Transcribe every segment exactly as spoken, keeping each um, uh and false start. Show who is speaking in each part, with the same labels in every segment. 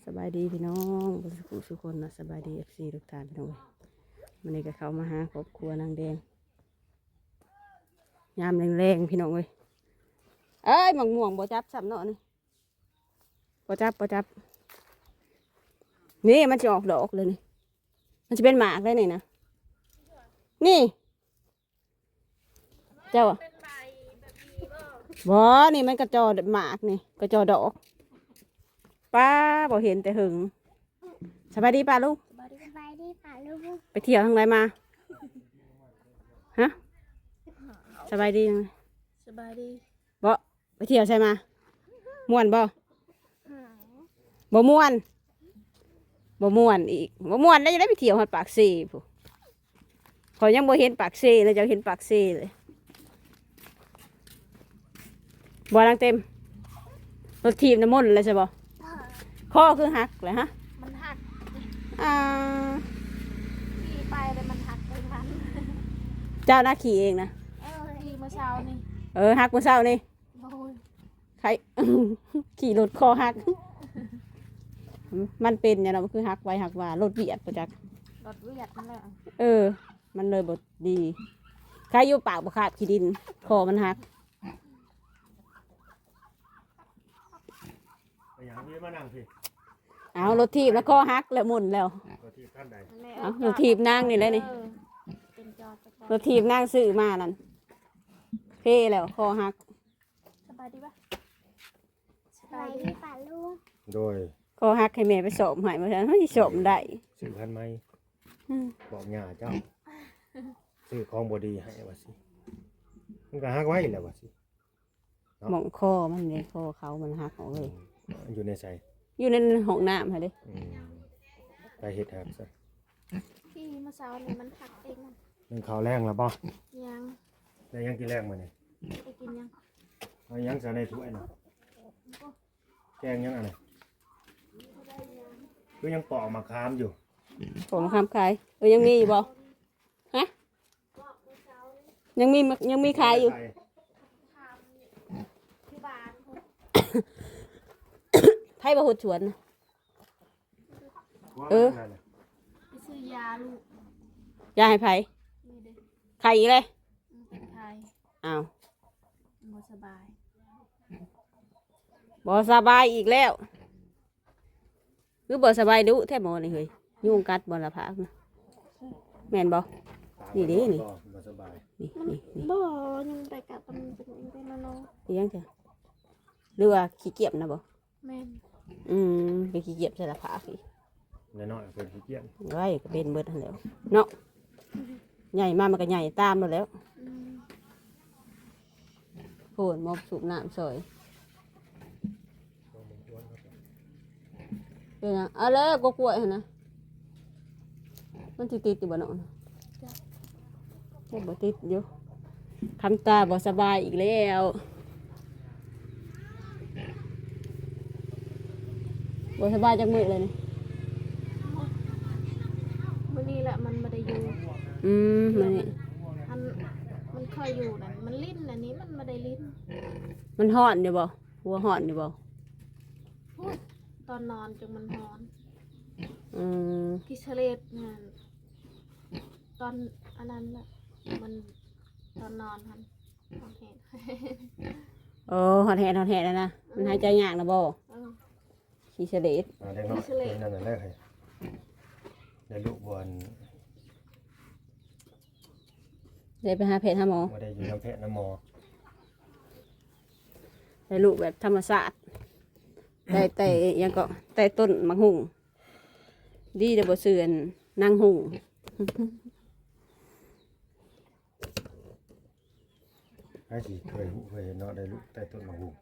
Speaker 1: สบายดีพี่น้องสุขสุขคนนะสบายดีเอฟซีทุกท่านพี่น้องวันนี้ก็เข้ามาหาครอบครัวนางแดงยามแรงๆพี่น้องเลยเอ้ยหมักม่วงบ่จับซ้ำเนาะนี่บ่จับบ่จับนี่มันจะออกดอกเลยนี่มันจะเป็นหมากเลยนี่นะนี่เจ้าอะบ่นี่มันกระจอหมากนี่กระจอดอกป้าบ่เห็นแต่หึงสบายดีป้าลูก
Speaker 2: สบายดีป่ะลูก
Speaker 1: ไปเที่ยวทางไหนมาฮะสบายดียังไง
Speaker 2: สบายดี
Speaker 1: บ่ไปเที่ยวใช่มาม่วนบ่บ่ม่วนบ่ม่วนอีกบ่ม่วนแล้วจะได้ไปเที่ยวฮอดปากซีผู้ขอยยังบ่เห็นปากซีเลยจะเห็นปากซีเลยบ่ลังเต็มรถทีมน้ำมนต์เลยใช่บ่ข้อคือหักเลยฮะ
Speaker 2: มันหัก
Speaker 1: อ่า
Speaker 2: ขี่ไปเลยมันหักไปทัน
Speaker 1: เจ้าหน้าขี่เองนะ
Speaker 2: เออขี่เมื่อเช้านี่
Speaker 1: เออหักเมื่อเช้านี่
Speaker 2: โอ้ย
Speaker 1: ใคร ขี่รถคอหัก มันเป็นเนี่ยเราะคือหักไว้หักว่ารถเบียดประจักษ์
Speaker 2: รถเวียดนั่นแหละ
Speaker 1: เออ มันเลยบดดีใครอยู่ปากบกขาบขี้ดินคอมันหัก
Speaker 3: ไปอย่างนี้มานั่งสิ
Speaker 1: เอารถทีบแล้วคอหักแล้วหมุนแล้ว
Speaker 3: ตัวที่ท่านใด
Speaker 2: นั่นแหละ
Speaker 1: เอารถทีบนั่งนี่เลยนี่
Speaker 2: เออเป็นจอดจักร
Speaker 1: รถทีบนั่งซื้อมานั่นเพ่แล้วคอหัก
Speaker 2: สบายดีปะสบายดีป่ะลูก
Speaker 3: โดย
Speaker 1: คอหักให้แม่ไปสอบให้มาฉันไม่สอบได้
Speaker 3: สื่อพันไหม
Speaker 1: อืม
Speaker 3: บอกหย่าเจ้าสื่อของบดีให้ว่าสิมันก็ฮักไว้แล้วว่าสิ
Speaker 1: หมองคอมันเลยคอเขามันหักออกเลย
Speaker 3: อยู่ในใส่
Speaker 1: อยู่ในห้องน้ำค่ะเด้
Speaker 3: อืมไปเห็ดหักซะ
Speaker 2: ขี่เมื่อเช้านี่มันหักเองอะ
Speaker 3: นึ่งข้าวแรงแล้วบ่
Speaker 2: ยัง
Speaker 3: ได้ยังกินแรงมาเนี่ย
Speaker 2: ไปกินยัง
Speaker 3: เอายังใส่ในถ้วยน่ะแกงยังอะไรก็ยังปอกมะขามอยู่
Speaker 1: ผมคำขายเออยังมีอยู่บ่ฮะยังมียังมีขายอยู่
Speaker 3: ใส่
Speaker 2: ที่บ้าน
Speaker 1: ไพ่บะหุดสวนน่ะ
Speaker 3: ว่า
Speaker 1: เออ
Speaker 3: นั่นน่ะ
Speaker 2: ไปซื้อยาลูก
Speaker 1: ยาให้ไผ่
Speaker 2: นี่เด็ก
Speaker 1: ไข่อีกเลย
Speaker 2: มันเป็นไข้
Speaker 1: อ้าว
Speaker 2: บ่สบาย
Speaker 1: บ่สบายอีกแล้วคือบ่สบายดุแท้หมอนี่เฮ้ยยุงกัดบ่ละพักนะแม่นบ่ นี่ดินี่
Speaker 3: บ่บ่สบาย
Speaker 1: นี่นี่นี่
Speaker 2: บ่ยังไปกับมันเป็นเป็นนอน
Speaker 1: เลี้ยงจ้ะหรือว่าขี้เกียจนะบ่
Speaker 2: แม่น
Speaker 1: อืมไปขี้เกียจใส่ละพักอีก
Speaker 3: น้อยๆเป็นขี้เกียจ
Speaker 1: ไว้ก็เป็นเบิดทันแหล้วเนาะใหญ่มามันก็ใหญ่ตามแล้วแหล้ว
Speaker 2: อืม
Speaker 1: โผนมอบสูบน้ำซอยเป็นหยังเอาเลยกกล้วยหั่นนะมันสิติดอยู่บ่เนาะใช่บ่ติดอยู่คำตาบ่สบายอีกแล้วบ่สบายจักมื้อเลยนี่
Speaker 2: มื้อนี้แหละมันบ่ได้อยู่
Speaker 1: อืมมันนี่
Speaker 2: มันมันเคยอยู่นั่นมันลิ้นอันนี้มันบ่ได้ลิ้น
Speaker 1: มันฮ้อนอยู่บ่หัวฮ้อนอยู่บ่
Speaker 2: พูดตอนนอนจนมันนอน
Speaker 1: อืม
Speaker 2: กิเชเลตนั่นตอนอันนั้นแหละมันตอนนอนทันตอนเห็น
Speaker 1: โอ้ฮอดแฮดฮอดแฮดแล้วนะมันหายใจยากนะบ่
Speaker 2: เออ
Speaker 1: ขี้เสลด
Speaker 3: อ่าเด็กน้อยเป็นนั่นน่ะแรกให้ได้ลูกบอล
Speaker 1: ได้ไปหาแพทย์หาหมอ
Speaker 3: บ่ได้อยู่น้ำแพะน้ำหมอ
Speaker 1: ได้ลูกแบบธรรมชาติได้แต่ยังก็แต่ต้นมะฮุ่งดีเด้อบ่เสื่อนนางหุ่ง
Speaker 3: ให้สิเคยหูเคยเห็นเนาะได้ลูกใต้ต้นมะฮู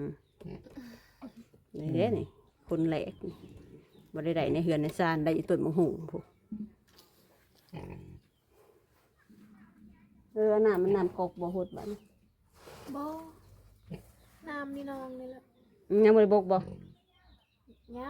Speaker 1: นี่เด้นี่คนแหลกนี่บ่ได้ได้ในเฮือนในซานได้อยู่ต้นมะฮุ่งพุเออน้ำมันน้ำกอกบ่หดบัดนี้
Speaker 2: โบน้ำนี่นองนี่แหละ
Speaker 1: อืมยังบ่ได้บกบ่
Speaker 2: ยัง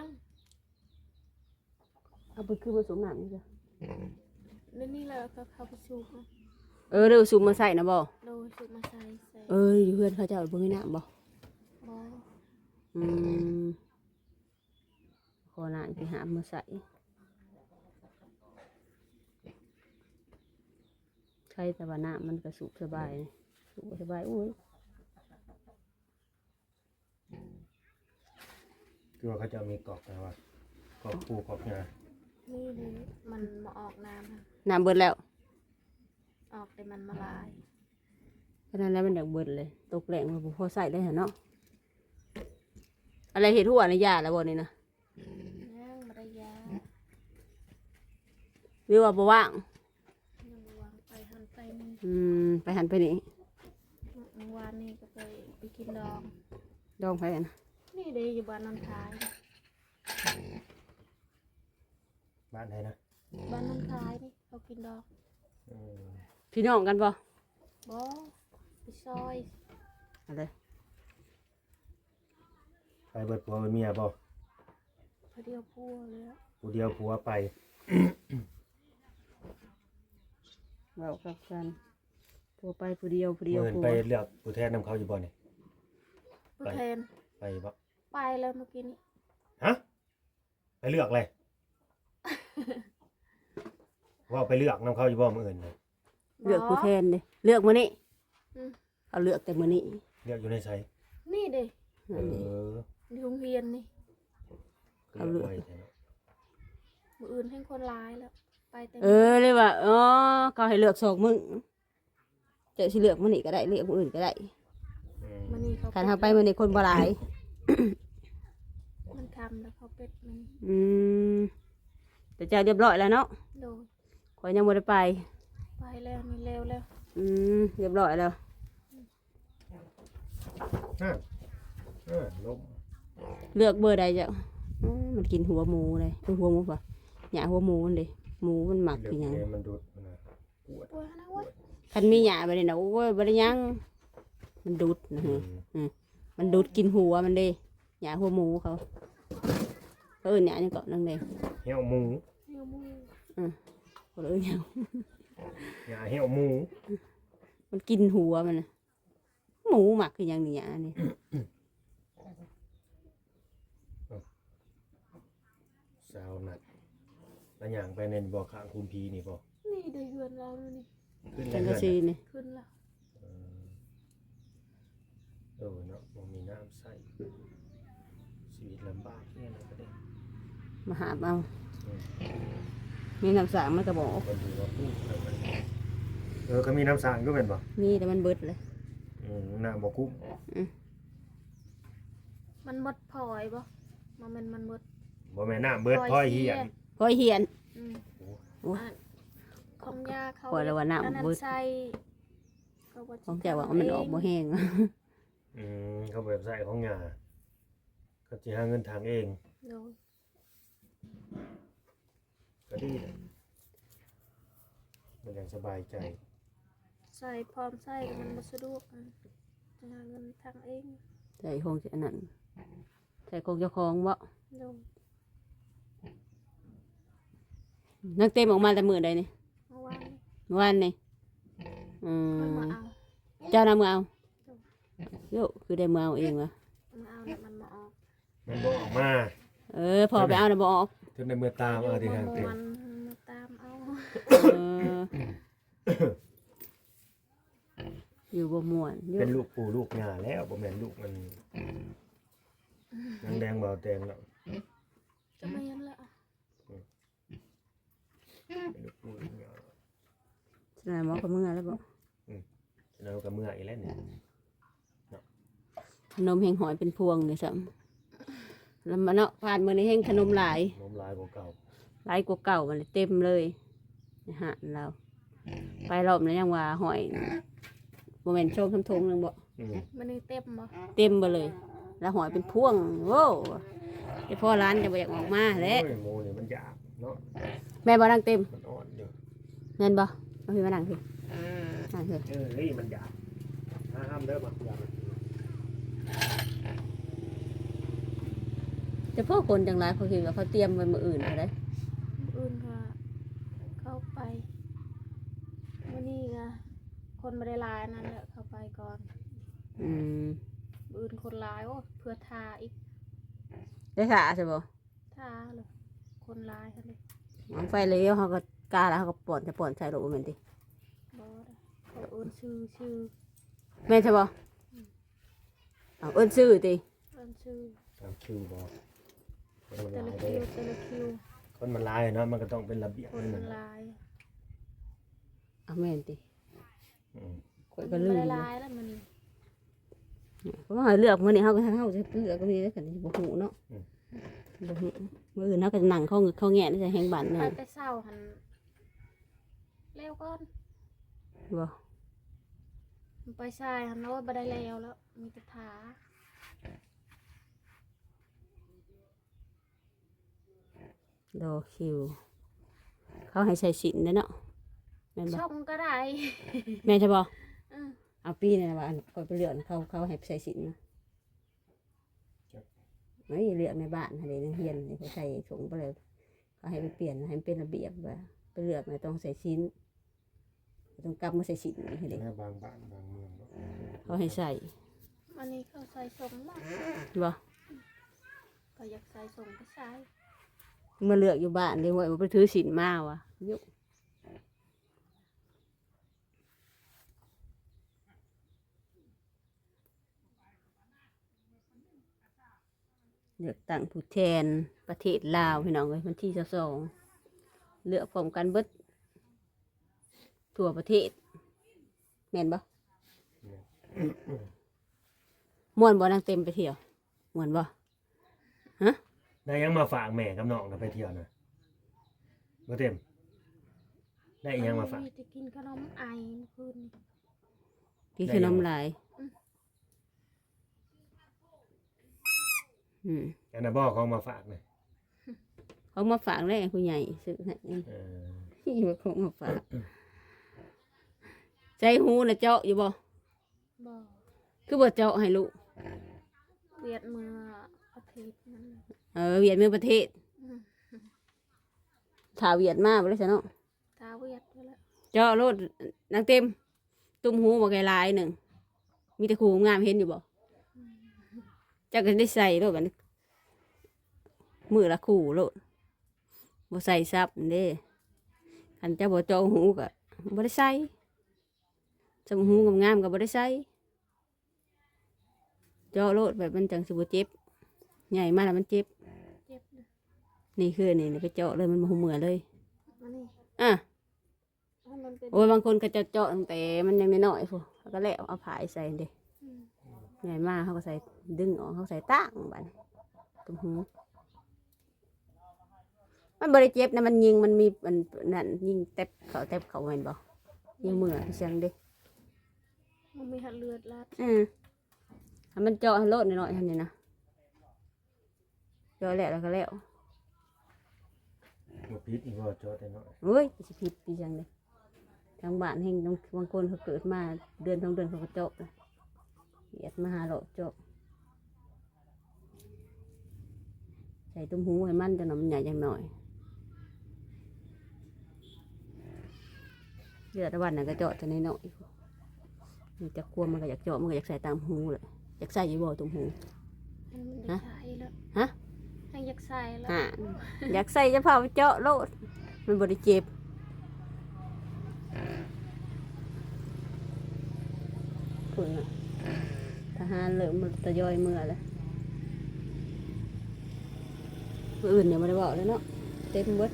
Speaker 1: เอาไปคือผสมน้ำนี่จ้ะ
Speaker 2: นี่นี่แหละก็เข้าไปสูบนะ
Speaker 1: เออเดี๋ยวสูบมาใส่นะบ่
Speaker 2: โดยสูบมาใส่ใส่
Speaker 1: เอ้ยอยู่เพื่อนเขาเจะเอาเบิ่งให้น้ำบ่
Speaker 2: โบ
Speaker 1: อืมขออหน้าไปหามาใส่ใช่แต่ว่าน้ำมันก็สุกสบายนี่สุกสบายอุ้ย
Speaker 3: คือว่าเขาจะมีกรอกนะว่ากรอกปูกรอกงา
Speaker 2: นี่ดิมันมาออกน้ำค่ะ
Speaker 1: น้ำเบิดแล้ว
Speaker 2: ออกแต่มันมาลาย
Speaker 1: เพราะนั้นแล้วมันอยากเบิดเลยตกแรงมันบ่พอใส่ได้เหรอเนาะอะไรเห็ดหัวในยาแล้วบ่นี่นะ
Speaker 2: ย่างมาได้ยา
Speaker 1: วิวว่าบ่ว่าง
Speaker 2: ยังวางไปหันไปนี่
Speaker 1: อืมไปหันไปนี่
Speaker 2: เมื่อวานนี่ก็ไปไปกินดอง
Speaker 1: ดองไปนะ
Speaker 2: นี่เดยอยู่บ้านน้ำท้าย
Speaker 3: บ้านไหนนะ
Speaker 2: บ้านน้ำท้ายนี่เขากินดอง
Speaker 3: อืม
Speaker 1: พี่น้องกันบ่
Speaker 2: บอไปซอย
Speaker 1: อะไร
Speaker 3: ไปเบิดผัวเบิดเมียบ่
Speaker 2: พอเดียวพัวเลยอะ
Speaker 3: ผู้เดียวผัวไป
Speaker 1: เรากับกันผู้ไปผู้เดียวผู้เดียว
Speaker 3: เงิน
Speaker 1: ผู้
Speaker 3: ไปเลือกผู้แทนนำเขาอยู่บ่นี่
Speaker 2: ผู้แทน
Speaker 3: ไปบ่
Speaker 2: ไปแล้วเมื่อกี้นี้
Speaker 3: ฮะไปเลือกเลย ว่าไปเลือกนำเขาอยู่บ่มื้ออื่นน่ะ
Speaker 1: เลือกผู้แทนเด้เลือกมื้อนี้
Speaker 2: อืม
Speaker 1: เอาเลือกแต่มื้อนี้
Speaker 3: เลือกอยู่ในไส
Speaker 2: นี่เดย
Speaker 3: เอ
Speaker 1: นั่นเอง
Speaker 3: อ
Speaker 2: ในโรงเรียนนี่
Speaker 3: เอาเลือกไว้แท้เนาะ
Speaker 2: มืออื่นให้คนร้ายแล้ว ไปเต็ม
Speaker 1: เออเลยว่าอ๋อเขาให้เลือกสองมื้อเจะสิเลือกมื้อนี้ก็ได้เลือกมื้ออื่นก็ได้
Speaker 3: อืม
Speaker 2: มันนี่เขา
Speaker 1: คันเฮาไปมื้อนี้คนบ่หลาย
Speaker 2: มันทำแล้วเขาเป็ดมัน
Speaker 1: อืมแต่เจ้าเรียบร้อยแล้วเนาะ
Speaker 2: โดย
Speaker 1: ข่อยยังบ่ได้ไป
Speaker 2: ไปแล้วนี่เร็วแล้ว
Speaker 1: อืมเรียบร้อยแล้ว
Speaker 3: อ่ะอ่ะลม
Speaker 1: เลือกเบอร์ใดจ้ะอืมมันกินหัวหมูเลยเป็นหัวหมูป่ะหยาหัวหมูมันดิหมูมันหมัก
Speaker 3: เลือก
Speaker 1: คือหยัง
Speaker 3: เองมันดูดมันน่ะปวด
Speaker 2: ปวดนะเว้ย
Speaker 1: คันมีหยาไปเลยนะโอ้ยบ่ได้หยังมันดูดนะ
Speaker 3: อื
Speaker 1: ฮะ
Speaker 3: ม
Speaker 1: มันดูดกินหัวมันดิหยาหัวหมูเขาเขาเอิ้นหยานี่เกาะนั่งเลย
Speaker 3: เหี่ยวหมู
Speaker 2: เหี่ยวมือ
Speaker 1: เขาเอิ้นหยัง
Speaker 3: หญ้าเหี่ยวหมู
Speaker 1: มันกินหัวมันน่ะหมูหมักคือหยังนี่หยานี่
Speaker 3: สาวนัดแล้วอย่างไปในบ่อข้างคุมพีนี่บ่
Speaker 2: นี่เดือนเราแล้วนี่
Speaker 3: ขึ้น
Speaker 1: จัง
Speaker 3: เรื
Speaker 1: กะ
Speaker 3: อน
Speaker 1: ซี
Speaker 3: น่ะ
Speaker 1: นี่
Speaker 2: ขึ้นแล้ว
Speaker 3: เออเออเนาะบ่มีน้ำใส่ชีวิตลำบากเนี่ยนะประเด็น
Speaker 1: มาหาเอา
Speaker 3: อืม
Speaker 1: มีน้ำสางมันก็บอก
Speaker 3: คนดูว่าพูดแล้วมันเออก็มีน้ำสางก็เป็นบ่
Speaker 1: มีแต่มันเบิดเลย
Speaker 3: อืมน้ำบ่คุ้ม
Speaker 2: มันหมดพลอยบ่มันมันมันหมด
Speaker 3: บ่แม่นน้ำเบิดพ้อยเหียน
Speaker 1: พอยเหียน
Speaker 2: อืม
Speaker 1: โอ้ย
Speaker 2: อ่ะของยาเขา
Speaker 1: ปล่อยแล้วว่าน้ำ
Speaker 2: อันนั้น
Speaker 1: เบิด
Speaker 2: ใส่เขาว่า
Speaker 1: ของเจ้าว่ามันออกบ่แห้ง
Speaker 3: อืมเขาแบบใส่ของหญ้าก็สิหาเงินทางเอง
Speaker 2: โดย
Speaker 3: ก็ดีนะมันยังสบายใจ
Speaker 2: ใส่พร้อมใส่มันบ่สะดวกอ่ะจะหาเงินทางเอง
Speaker 1: ใส่คงจะอันนั้นใส่คงเจ้าของบ่
Speaker 2: โดย
Speaker 1: นักเต็มออกมาแต่มือใดนี่
Speaker 2: เมื่อวานนี้
Speaker 1: เมื่อวานนี่อื
Speaker 2: ค่อย
Speaker 1: ม
Speaker 2: มาเอา
Speaker 1: เจ้านำมือเอาโยคือได้มือเอาเองวะ
Speaker 2: มาเอาเนี่ยมันมาออก
Speaker 3: มันบ่ออกมา
Speaker 1: เออพอไปเอานะบออก
Speaker 3: จนในมือตามเอาที่ทางเต็ม
Speaker 2: มันมาตามเอา
Speaker 1: เอออยู่บ่ม่วนอยู่
Speaker 3: เป็นลูกปู่ลูกหญ้าแล้วบ่แม่นลูกมันนางแดงเบาแดงแล้ว
Speaker 2: จะไม่ยันละ
Speaker 3: เป็นลูกปู่ลูกหญ้า
Speaker 1: สนามหมอกับมือแล้วบ่
Speaker 3: แล้วก็เมื่ออีกแล้วเนี่ย
Speaker 1: ขนมแห้งหอยเป็นพวงเลยซ้ำแล้วมาเนาะผ่านมือนี้แห้งขนมหลาย
Speaker 3: น้มลายกว่าเก่า
Speaker 1: หลายกว่าเก่ามันเลยเต็มเลยนะฮะเราไปรอบนี้ยังว่าหอยโมเมนต์โชมทำทงนึงบ่
Speaker 3: อืม
Speaker 2: มันนี่เต็มบ่
Speaker 1: เต็มไปเลย แล้วหอยเป็นพวงโว้ไอพ่อร้านจะบ่อยากออกมาแหล้ว
Speaker 3: โอ้ยโมเนี่ยมันหยาบเนาะ
Speaker 1: แม่บ่นั่งเต็ม
Speaker 3: มันอ่อนอยู่
Speaker 1: เงินบ่มาพี่มานั่งพี่นั่งพี่
Speaker 3: เออเฮ้ยมันหยาบห้ามเด้อมาหยาบ
Speaker 1: แต่พ่อคนจังไรเขาคิดว่าเขาเตรียมไว้มืออื่นเขาได้
Speaker 2: อื่นก็เข้าไปวันนี้ก็คนไม่ได้ลายนั่นแหละเข้าไปก่อน
Speaker 1: อืม
Speaker 2: อื่นคนลายโอ้เพื่อทาอีก
Speaker 1: ได้ถ่าใช่บ่
Speaker 2: ทาาเลยคนร้ายเขาเลย
Speaker 1: เอาไฟเลี้ยวเขาก็กาแล้วเขาก็ป่อนจะป่อนใส่รถบ่แม่นติ
Speaker 2: บอสเขาเอิ้นชื่อชื่อ
Speaker 1: แม่นใช่บ่เอาเอิ้นชื่อติ
Speaker 2: เอิ้นชื่อ
Speaker 3: ตามคิวบ่คนมัน
Speaker 2: แต่
Speaker 3: ห
Speaker 2: ละ
Speaker 3: ลาย
Speaker 2: คิ
Speaker 3: เด้
Speaker 2: วแต่ละคิว
Speaker 3: คนมันหลายเนาะมันก็ต้องเป็นระเบียบ
Speaker 2: คน
Speaker 3: นั่น
Speaker 2: มัน
Speaker 3: น่ะ
Speaker 2: ร้าย
Speaker 1: เอาแม่นติ
Speaker 3: อืม
Speaker 1: ข่อยก็ลืม
Speaker 2: มัน
Speaker 1: อยู่
Speaker 2: ร้ายแล้วมัน
Speaker 1: เพราะว่าเลือกมื้อนี้เฮาก็เฮาจะเลือกก็มีแล้วกันบ่ฮู้เนาะบ่ฮู้มื้ออื่นเฮาก็นั่งเข้าเข้าแงะนี่จะแฮงบ้าน
Speaker 2: ไป
Speaker 1: แน่
Speaker 2: แต่เศร้าหันเร็วก่อน
Speaker 1: บ่
Speaker 2: มันไปชายหันโน้ตบัได้แล้วแล้วมีแต่ถา
Speaker 1: รอคิว เขาให้ใส่สินเด้อเนาะแม่นบ่
Speaker 2: ช่องก็ได้
Speaker 1: แม่นใช่บ่
Speaker 2: อืม
Speaker 1: เอาปีนี่นะว่าอันก่อนไปเลือกเขาเขาให้ใส่สินนะไม่เลือกในบ้านให้ในเฮียนให้เขาใส่ถุงไปเลยเขาให้ไปเปลี่ยนให้มันเป็นระเบียบว่าไปเลือกในต้องใส่ชิ้นต้องกลับมาใส่สินให้เด็ก
Speaker 3: แม่บางบ้านบางเมืองเนาะ
Speaker 1: เขาให้ใส่
Speaker 2: อันนี้เขาใส่ส่งบ้าง
Speaker 1: บ่
Speaker 2: ก็อยากใส่ส่งก็ใส่
Speaker 1: มาเลือกอยู่บ้านเดี๋ยวว่าไปถือสินมาวะยุเลือกตั้งผู้แทนประเทศลาวพี่น้องเลยวันที่สองเลือกพร้อมกันเบิดทั่วประเทศแม่นบ่ม่วนบ่นางเต็มไปเที่ยวม่วนบ่
Speaker 3: ได้ยังมาฝากแม่กับน้องนะไปเที่ยวนะบ่เต็มได้อีหยังมาฝาก
Speaker 2: จะกินขนมไอเมื่อคืนนี้
Speaker 1: พี่คือน้ำลาย อืม
Speaker 3: อันน่ะบ่เขามาฝากนะ
Speaker 1: เขามาฝากเลยผู้ใหญ่ซื้อให้
Speaker 3: เออ
Speaker 1: ที่ว่าเขามาฝาก ใจหูนะเจาะอยู่บ่
Speaker 2: บอก
Speaker 1: คือบ่เจาะให้ลูก
Speaker 2: เวียดเมื่ออาทิตย์นั้น
Speaker 1: เออเวียดเมืองประเทศ
Speaker 2: อืม
Speaker 1: ถ่าเวียดมาบ่ได้ซะเนาะ
Speaker 2: ตาเวียดไปแล้ว
Speaker 1: เจาะโลดนางเต็ม ตุ้มหูบ่ไกลายหนึ่ง มีแต่ครูงามเห็นอยู่บ่จักก็ได้ใส่โลดบัดนี้มือละคู่โลดบ่ใส่ซับเด้คันเจ้าบ่เจาะหูก็บ่ได้ใส่จมูกหูงามๆก็บ่ได้ใส่เจาะโลดแบบมันจังสิบ่เจ็บใหญ่มาแล้วมันเจ็บ
Speaker 2: เจ็บเลย
Speaker 1: นี่คือนี่นี่ไปเจาะเลยมันบ่หูเหมือเลย
Speaker 2: มานี่
Speaker 1: อ่ะ
Speaker 2: ให้มันเป็น
Speaker 1: โอ้ยบางคนก็จะเจาะตั้งแต่มันยังน้อยๆพู้นแล้วก็แล้วเอาผายใส่เด้
Speaker 2: อืม
Speaker 1: ใหญ่มากเขาก็ใส่ดึงออกเขาใส่ตั้งบัดนี้ตรงหูมันบริเจ็บนะมันยิงมันมีมันนั่นยิงเต็บเขาเต็บเขาแม่นบ่ยิงมือพี่เชียงเด้
Speaker 2: มันมีหัดเลือดลาด
Speaker 1: อืมให้มันเจาะให้โลดหน่อยๆทำนี่นะเจาะแล้วแล้วก็แล้ว
Speaker 3: บ่ผิดอีกบ่จอแต่น้อย
Speaker 1: เฮ้ยสิผิดพี่เชียงเด้ทางบ้านแห่งบางคนเขาเกิดมาเดือนสองเดือนเขาก็เจาะนะเหยียดมาหาโลดเจาะใส่ตุ้มหูให้มันจะหน่อยมันใหญ่จังหน่อยเลือดตะวันน่ะก็เจาะจะน้อยๆมันจะควมมันก็อยากเจาะมันก็อยากใส่ตามหูเลยอยากใส่อยู่บ่ตุ้มหู
Speaker 2: มันอยากใส่แล้ว
Speaker 1: ฮะ
Speaker 2: ให้อยากใส่แล้ว
Speaker 1: ฮะอยากใส่จะเผาไปเจาะโลดมันบริเจ็บคุณน่ะทหารเริ่มมันตะยอยเมื่อแล้วมื้ออื่นเนี่ยไม่ได้บอกเลยเนาะเต็มเบิด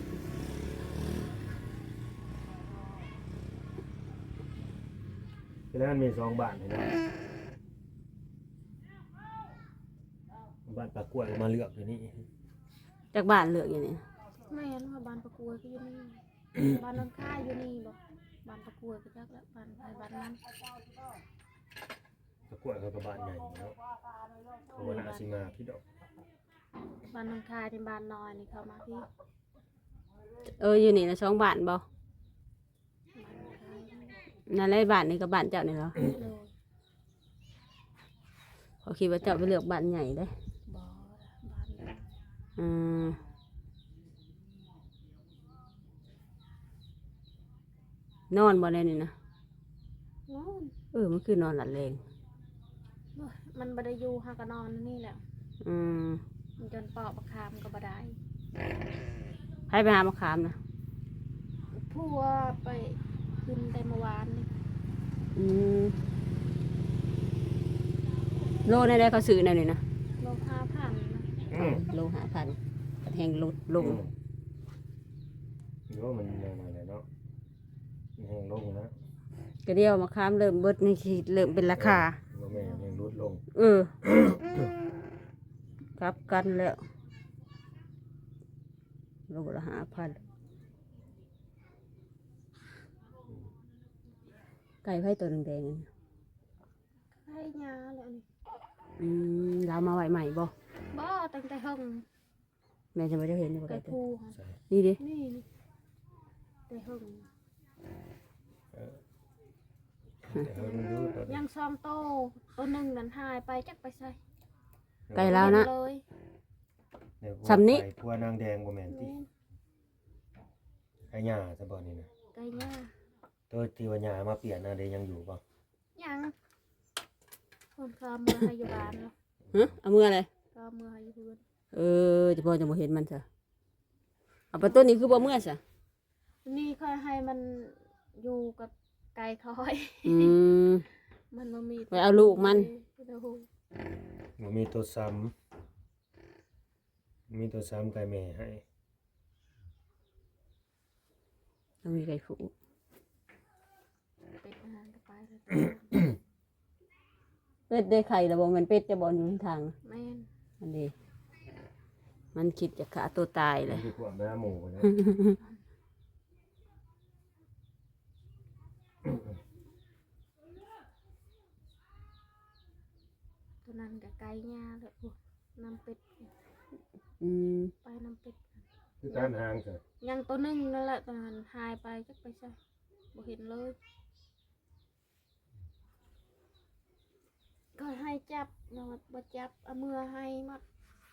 Speaker 3: คือนั้นมีสองบ้านเห็นไหมบ้านปลากล้วยมาเลือกอยู่นี่
Speaker 1: จากบ้านเลือกอย่างนี้
Speaker 2: ไม่เห็นว่าบ้านประกวดก็อยู่นี่ บ้านนนค่ายอยู่นี่บอกบ้านประกวดก็จักแล้วบ้านไปบ้านนั้น
Speaker 3: ปลากล้วยเขาก็บ้านใหญ่เนาะเขาว่าน่าสิมาพี่ดอก
Speaker 2: บ้านนนค่ายในบ้านน้อยนี่เขามาพี่
Speaker 1: เอออยู่นี่นะสองบ้านบ่
Speaker 2: บ้านนนค่ายนี่
Speaker 1: นั่นแหละบ้านนี่กับบ้านเจ้านี่เหรอ
Speaker 2: เลย
Speaker 1: เขาคิดว่าเจ้าไปเลือกบ้านใหญ่ได้
Speaker 2: บ่บ้านนั้น
Speaker 1: อืมนอนบ่ได้นี่นะ
Speaker 2: นอน
Speaker 1: เออมันคือนอนหลับแรง
Speaker 2: โอ้ยมันบ่ได้อยู่หากะนอนนี่แหละ
Speaker 1: อืม
Speaker 2: มันจนปอกประคามก็บ่ได้
Speaker 1: ไปหามะขามนะ
Speaker 2: ผัวไปขึ้นแต่เมื่อวานนี่
Speaker 1: อืมโลในได้เขาซื้อแนวนี้นะ
Speaker 2: โลห้าพันนะ
Speaker 3: อืม
Speaker 1: โลหาพันแหงลดลง
Speaker 3: อืมหรือว่ามันยังไงเนาะมันแห้งลงนะ
Speaker 1: ก็เดียวมะขามเริ่มเบิดนี่สิเริ่มเป็นราคา
Speaker 3: ว่าแม่ยังลดลง
Speaker 1: เออ กลับกันแล้วโลละหาพันไก่ไผ่ตัวแดงๆนั่น
Speaker 2: ไข่ยาแล้วนี่
Speaker 1: อืมเรามาไหวใหม่บ่
Speaker 2: บ่ตั้งแต่ห้อง
Speaker 1: แม่จะไม่ได้เห็นอยู่บ่
Speaker 2: ไก่
Speaker 1: ไก่ตัว
Speaker 2: ภูค่ะ
Speaker 3: ใช่
Speaker 1: นี่ดิ
Speaker 2: นี่นี่แต่ห้อง
Speaker 3: เออแต่เออมันรู้ตัว
Speaker 2: ยังซ้อมโตตัวหนึ่งนั่นหายไปจักไปใส่
Speaker 1: ไก่ลาวนะ
Speaker 2: เลย
Speaker 3: เดี๋ยว
Speaker 1: สำนิ
Speaker 3: ไก่พัวนางแดงบ่แม่นติ
Speaker 2: แม่น
Speaker 3: ไก่หญ้าซะบ่นี่นะ
Speaker 2: ไก่ยา
Speaker 3: ตัวที่ว่าหญ้ามาเปลี่ยนน่ะเด้ยังอยู่บ่
Speaker 2: ยังคนก็เอามือให้อยู่บ้านแล้ว
Speaker 1: ฮะเอามืออะไร
Speaker 2: ก็เอามือให้อยู่เพื่อน
Speaker 1: เออจะพอจะบ่เห็นมันซะเอาไปต้นนี้คือบ่เมื่อซะ
Speaker 2: นี่ค่อยให้มันอยู่กับไก่คอย
Speaker 1: อืม
Speaker 2: มันบ่มี
Speaker 1: ไปเอาลูกมัน
Speaker 2: เดี๋ยว
Speaker 3: บ่มีตัวซ้ำมีตัวซ้ำไก่แม่ให้
Speaker 1: ต้องมีไก่ผู
Speaker 2: เป็ดอาหารก็ไปแล้ว
Speaker 1: เป็ดได้ไข่แล้วบ่แมันเป็ดจะบ่อยู่ทาง
Speaker 2: แม่น
Speaker 1: อันนี้มันคิดจะฆ่าตัวตายเลย
Speaker 3: คือพวกแม่หมูนะ
Speaker 2: ตัวนั้นกับไก่ย่าเลยโอ้น้ำเป็ด
Speaker 1: อืม
Speaker 2: ไปน้ำเป็ด
Speaker 3: คือการหางซะ
Speaker 2: ยังตัวหนึงนั่นแหละตัวนั้นหายไปจักไปใส่บ่เห็นเลยก็ให้จับนอนบ่จับเอามือให้หมัด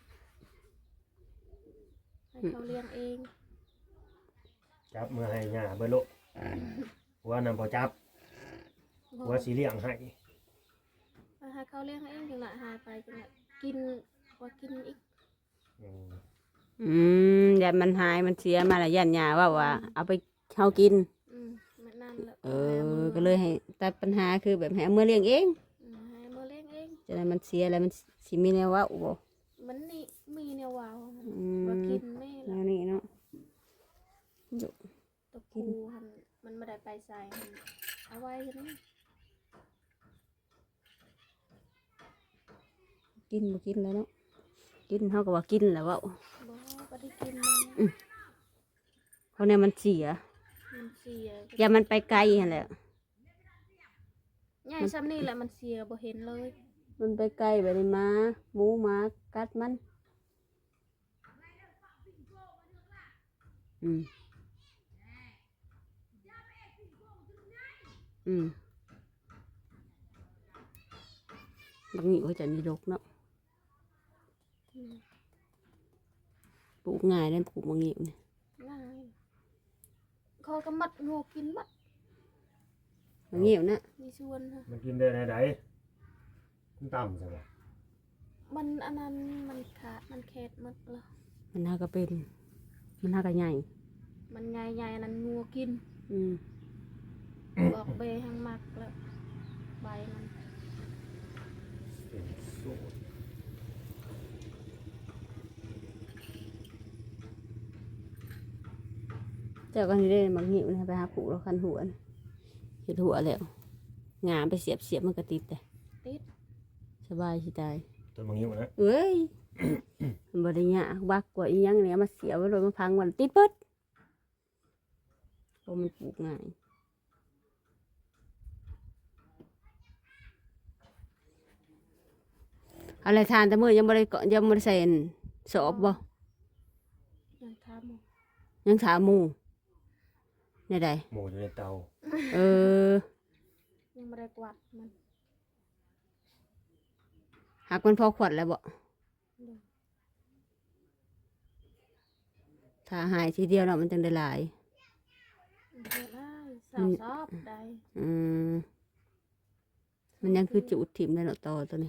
Speaker 2: ให้เขาเลี้ยงเอง
Speaker 3: จับมือให้หญ้าเบิดโลกหัวนำบ่จับหัวสิเลี้ยงให้
Speaker 2: ให้เขาเลี้ยงเองจังละหายไปจังละกินว่ากินอีก
Speaker 3: อืม
Speaker 1: อืมอย่ามันหายมันเสียมาละยันยาว่าว่า เอาไปเฮากิน
Speaker 2: อืมมันนั่นแหละ
Speaker 1: เออ ก็เลยให้ตัดปัญหาคือแบบให้เอามือเลี้ยงเอง
Speaker 2: อืมให้มือเลี้ยงเอง
Speaker 1: จะได้มันเสียแล้วมันสิมีแนวเว่าบ่
Speaker 2: มันนี่มีแนววาวมัน
Speaker 1: อืม
Speaker 2: ว่ากินไม่
Speaker 1: แน
Speaker 2: ละ
Speaker 1: วนี้เนาะ
Speaker 2: ตัวกูหันมันไม่ได้ไปใส่มันเอาไว้ใช่ไหม
Speaker 1: กินบ่กินแล้วเนาะกินเฮาก็ว่ากินแล้วเว่า
Speaker 2: บอกก็ได้กินมัน
Speaker 1: เพราะเนี่ยมันเสีย
Speaker 2: มันเสีย
Speaker 1: อย่ามันไปไกลหั่นแหละ
Speaker 2: ใหญ่ซ้ำนี่แหละมันเสียบ่เห็นเลย
Speaker 1: มันไปไกลไปเลยมาหมูหมากัดมัน อืม อืมบางทีก็จะมีรกเนาะ
Speaker 2: อืม
Speaker 1: ปลูกง่ายเลยปลูกบางทีเนี่ย
Speaker 2: ง่ายคอยก็มัดงูกินมัด
Speaker 1: บางทีนะ
Speaker 2: มีส่วนค่ะ
Speaker 3: มันกินได้ไหนใดมันต่ำซะบ่
Speaker 2: มันอันนั้นมันขาดมันแคดมัดแล้ว
Speaker 1: มันน่าก็เป็น มันน่าก็ใหญ่
Speaker 2: มันใหญ่ๆอันนั้นงูกิน
Speaker 1: อืม
Speaker 2: บอกเบหังมักแล้วใบมัน
Speaker 3: เป็นสูตร
Speaker 1: เจ้าก็นี่ได้บางทีนะไปหาปลูกแล้วคันหัวนะเห็ดหัวแล้วงามไปเสียบเสียบมันก็ติดแต่
Speaker 2: ติด
Speaker 1: สบายสิตาย
Speaker 3: ต้นมะงิ้วนะ
Speaker 1: เอ้ย มันบริญญากบักกว่าอีหยังเนี่ยมาเสียไว้เลยมาพังวันติดเปิดเพราะมันปลูกง่ายอะไรทานแต่เมื่อยังบริเกาะยังบริใส่อันสอบบ่
Speaker 2: ยังทำอยู่
Speaker 1: ยังถามหมูในใด
Speaker 3: หมูอยู่ในเตา
Speaker 1: เออ
Speaker 2: ยังไม่ได้กวาดมัน
Speaker 1: หักมันพอขวดแล้วบ่
Speaker 2: เดี๋ยว
Speaker 1: ถ้าหายทีเดียวเนาะมันจึงได้หลาย
Speaker 2: เดี๋ยวได้สาวซอบได้
Speaker 1: อืมมันยังคือจุดถิ่มได้เนาะต่อตัวนี้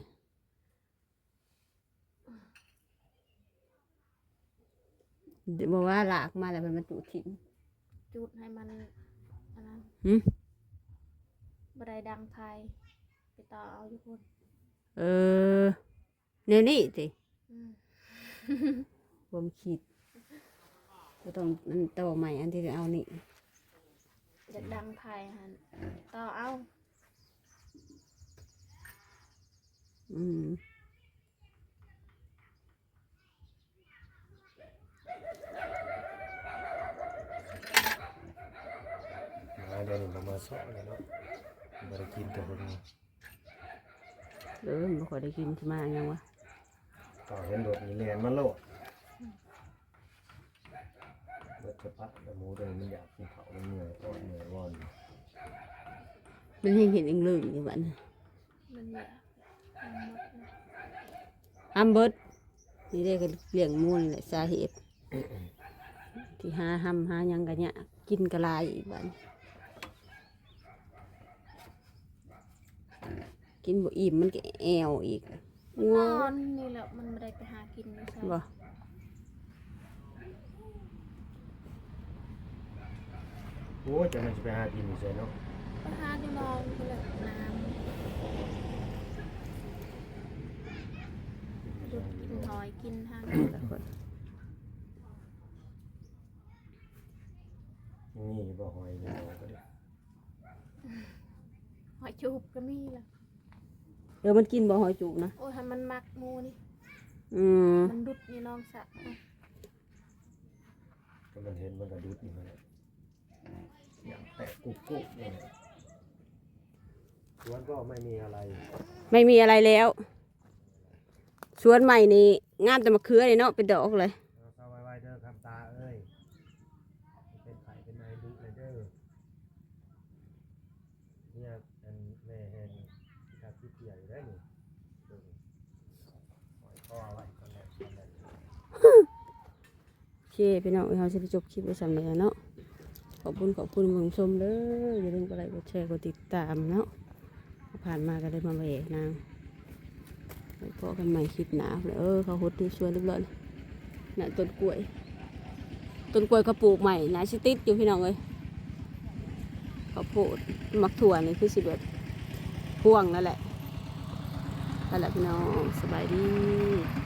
Speaker 1: บอกว่าหลากมาแล้วมันมาจุถิ่น
Speaker 2: จุดให้มันอันนั้น
Speaker 1: หืม
Speaker 2: บันไดดังไทยไปต่อเอาอยู่คน
Speaker 1: เออแนวนี้สิ
Speaker 2: อืม
Speaker 1: ผมคิดก็ต้องอันต่อใหม่อันที่จะเอานี่
Speaker 2: จะดังไทยหันต่อเอา
Speaker 1: อืม
Speaker 3: มาเดี๋ยวนี้ประมาณสองเลยเนาะบริกินแต่คนนี้
Speaker 1: เออไม่ค่อยได้กินที่มาอย่างวะ
Speaker 3: ต่อเห็นรถมีเรียนมาโลดรถจะพัดแต่หมูตัวนี้มันอยากกินเขามันเหนื่อยอ่อนเหนื่อยวอน
Speaker 1: มันเห็นเห็นเองเลยอยู่บ้าน
Speaker 2: มันเนี่ยมันหมดเลย
Speaker 1: อัมเบิร์ดนี่ได้ก็เลี้ยงหมูนี่แหละสาเหตุที่หาห้ำหาหยังกันเนี่ยกินกระลายอีกบ้านกินบ่อิ่มมันก็แอวอีก
Speaker 2: น
Speaker 1: งัว
Speaker 2: อนนี่แหละมันไม่ได้ไปหากินไม่ใช่
Speaker 1: บ่
Speaker 3: โอ้ยจะมันจะไปหากินอยู่ใช่เนาะ
Speaker 2: ไปหาที่นอนก็เลยน้ำหยุดกินหอยกินทาง
Speaker 3: นี่บ่หอยเลยก็ได้
Speaker 2: หอยจูบก็มีแหละ
Speaker 1: เออมันกินบ่หอยจุกนะ
Speaker 2: โอ้ยให้มันมักหมูนี่
Speaker 1: อืม
Speaker 2: มันดุดนี่น้องสะ
Speaker 3: ก็มันเห็นมันกระดุดนี่มันอย่างแตกกุ๊กกุ๊กนี่สวนก็ไม่มีอะไร
Speaker 1: ไม่มีอะไรแล้วสวนใหม่นี่งามแต่มะเขือเลยเนาะเป็นดอกเลย
Speaker 3: เอาเข้าไว้ๆเด้อคำตาเอ้ยเป็นไข่เป็นนายดุเลยเด้อเนี่ยอันแม่แหงที่ทำที่เกี่ยวอยู่ได้นี่เบิ่งหอยข้อไว้ตอนแรกตอนแรก
Speaker 1: โอเคพี่น้องเราจะไปจบคลิปไว้สำเร็จแล้วเนาะขอบคุณขอบคุณผู้ชมเด้ออย่าลืมกดไลค์กดแชร์กดติดตามเนาะผ่านมาก็ได้มาแหวกนางไปพบกันใหม่คลิปหนาเออเขาหดที่สวนเรียบร้อยน่ะต้นกล้วยต้นกล้วยเขาปลูกใหม่นะชิติดอยู่พี่น้องเลยเขาปลูกมักถั่วนี่คือสิแบบพ่วงนั่นแหละนั่นแหละพี่น้องสบายดี